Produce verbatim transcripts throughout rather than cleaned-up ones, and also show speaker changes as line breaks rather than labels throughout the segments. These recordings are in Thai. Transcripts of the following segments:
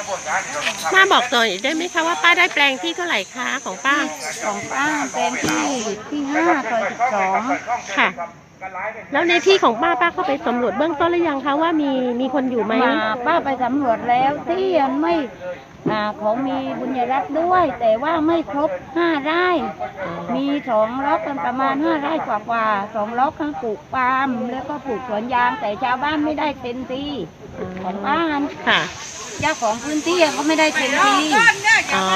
ป้าบอกหน่อยได้ไหมคะว่าป้าได้แปลงที่เท่าไหร่คะของป้า
ของป้าเป็นที่ที่ห้าซอยสิบสอง
ค่ะแล้วในที่ของป้าป้าเข้าไปสำรวจเบื้องต้นหรือยังคะว่ามีมีคนอยู่ไหม
มาป้าไปสำรวจแล้วที่ยังไม่อ่าของมีบุญยรัตน์ด้วย แต่ว่าไม่ครบห้าไร่มีสองล็อกกันประมาณห้าไร่กว่ากว่าสองล็อกทั้งปลูกปาล์มแล้วก็ปลูกสวนยางแต่ชาวบ้านไม่ได้เต็มที่ของบ้าน
ค่ะ
เจ้าของพื้นที่ก็ไม่ได้เต็มที่
อ๋อ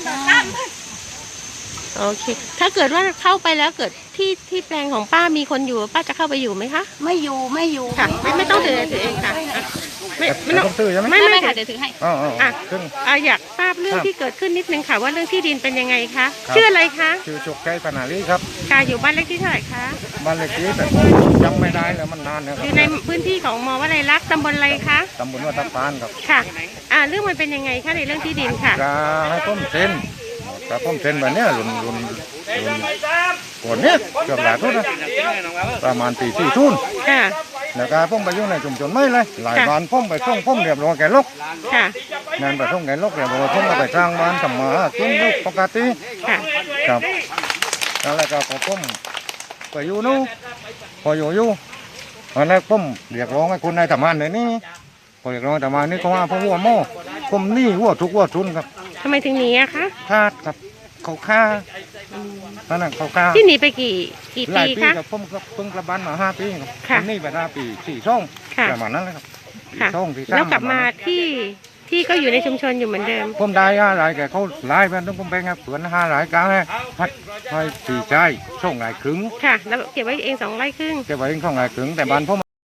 โอเคถ้าเกิดว่าเข้าไปแล้วเกิดที่ที่แปลงของป้ามีคนอยู่ป้าจะเข้าไปอยู่ไหมคะ
ไม่อยู่ไม่อยู่
ค่ะไม่ไม่ต้องถือถือเองค่ะไม่ไม่ต้อง
ถือใช่ไหม
ไม่ไม่
ค่ะเดี๋ยวถือให้
อ๋ออ๋อ
อ่ะอ่ะอยากทราบเรื่องที่เกิดขึ้นนิดนึงค่ะว่าเรื่องที่ดินเป็นยังไงคะชื่ออะไรคะ
ชื่อจุกใจปนาลีครับ
ค่ะอยู่บ้านเลขที่เท่าไหร่คะ
บ้านเลขที่แต่จำไม่ได้แล้วมันนานแล้ว
อยู่ในพื้นที่ของมอวัดไรลักษณ์ตำบลอะไรคะ
ตำบลวัดตะพานครับ
ค่ะอ่าเรื่องมันเป็นยังไงคะในเรื่องที่ดินค่ะ
จะให้ต้มเส้นจะต้มเส้นแบบนี้รุนรุนรุนก่อนเนี้ยเกือบหลายทุ่นนะประมาณตีสี่ทุ่น
ค่ะ
แล้วก็พุ่งไปยุ่งในชุมชนไม่เลยหลายบ้านพุ่งไปส่งพุ่งเรียบร้อยแก่ลก
ค่ะ
งานไปส่งแก่ลกเรียบร้อยพุ่งก็ไปสร้างบ้านทำมากินลูกปกติ
ค่ะ
ครับแล้วก็พอพุ่งไปอยู่นู้พออยู่อยู่อันนั้นพุ่งเรียกร้องให้คนในทำงานในนี้พอเรียกร้องทำงานนี่ก็ว่าพวกหัวโม่พุ่มนี่หัวทุกหัวทุนครับ
ทำไมถึงหนีอะคะ
คาดครับเขาฆ่านั่นน่ะเขาฆ่า
ที่หนีไปกี่กี่ปีคะ
ผมเพิ่งกลับบ้านมาห้าปีครับนี่ไปห้าปีสี่ช่องประมาณนั้นเลยครับ
ช่องที่แล้วกลับมาที่ที่ก็อยู่ในชุมชนอยู่เหมือนเดิม
ผมได้อะไรแกเขาไล่ไปต้องผมไปไงเผื่อห้าหลายกลางให้พัดให้สี่ใจช่องหลายครึ่ง
ค่ะแล้วเก็บไว้เองสองไร่ครึ่ง
เก็บไว้เองช่องหลายครึ่งแต่บ้านผม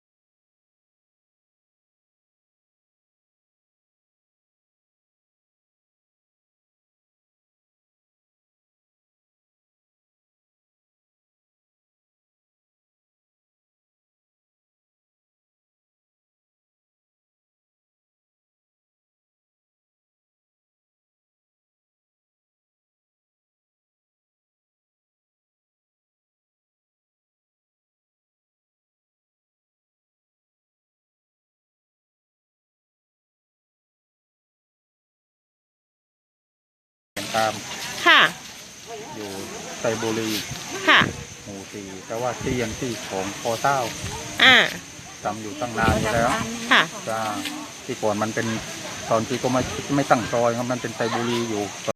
ตาม
ค่ะ
อยู่ไซบุรี
ค่ะ
หมู่สี่แต่ว่าที่ยังที่ของพอเต้า
อ่า
ทำอยู่ตั้งนานอยู่แล้ว
ค่ะ
ที่ก่อนมันเป็นตอนที่ก็ไม่ไม่ตั้งซอยครับมันเป็นไซบุรีอยู่